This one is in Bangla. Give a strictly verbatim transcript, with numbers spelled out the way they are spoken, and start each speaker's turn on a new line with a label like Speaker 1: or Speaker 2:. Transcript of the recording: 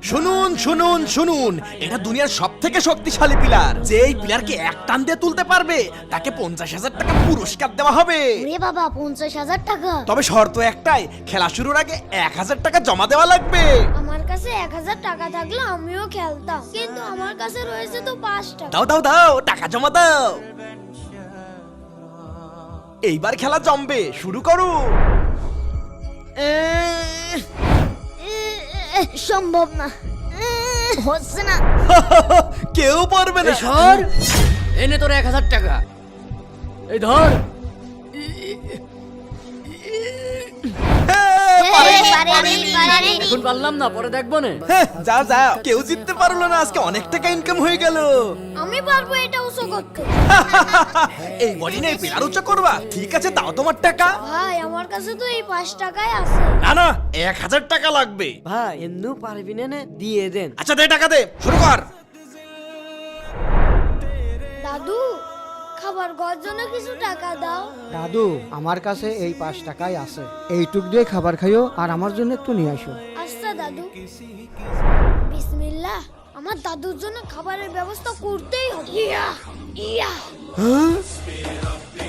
Speaker 1: শুনুন শুনুন শুনুন, এটা দুনিয়ার সব থেকে শক্তিশালী পিলার। যে এই পিলারকে এক টান দিয়ে তুলতে পারবে তাকে পঞ্চাশ হাজার টাকা পুরস্কার দেওয়া হবে।
Speaker 2: ওরে বাবা, পঞ্চাশ হাজার টাকা!
Speaker 1: তবে শর্ত একটাই, খেলা শুরুর আগে এক হাজার টাকা জমা দেওয়া লাগবে।
Speaker 2: আমার কাছে এক হাজার টাকা থাকলে আমিও খেলতাম, কিন্তু আমার কাছে রয়েছে তো পাঁচ টাকা।
Speaker 1: দাও দাও দাও, টাকা জমা দাও। এইবার খেলা জমবে, শুরু করো।
Speaker 2: এ, এ, সম্ভব না, এ, হচ্ছে না।
Speaker 1: কেউ পারবে না।
Speaker 3: সর, এনে তোর এক হাজার টাকা। এই ধর।
Speaker 2: পারেনি, পারেনি, পারেনি।
Speaker 3: এখন পারলাম না, পরে দেখবো না।
Speaker 1: হ্যাঁ, যাও যাও, কেউ জিততে পারলো না। আজকে অনেক টাকা ইনকাম হয়ে গেল।
Speaker 2: আমি পারবো এটা উঁচু করতে।
Speaker 1: এই বডি নিয়ে পিলার উঁচু করবা? ঠিক আছে, দাও তোমার টাকা।
Speaker 2: ভাই, আমার কাছে তো এই পাঁচ টাকাই আছে।
Speaker 1: না না, এক হাজার টাকা লাগবে।
Speaker 3: ভাই এমনিও পারবি না নে, দিয়ে দেন।
Speaker 1: আচ্ছা দে, টাকা দে, শুরু কর।
Speaker 2: দাদু, খাবার খাওয়ার জন্য কিছু টাকা দাও।
Speaker 4: দাদু, আমার কাছে এই পাঁচ টাকাই আছে, এইটুক দিয়ে খাবার খাইও আর আমার জন্য একটু নিয়ে আসো।
Speaker 2: আচ্ছা দাদু। বিসমিল্লাহ, আমার দাদুর জন্য খাবারের ব্যবস্থা করতেই হবে। ইয়া ইয়া।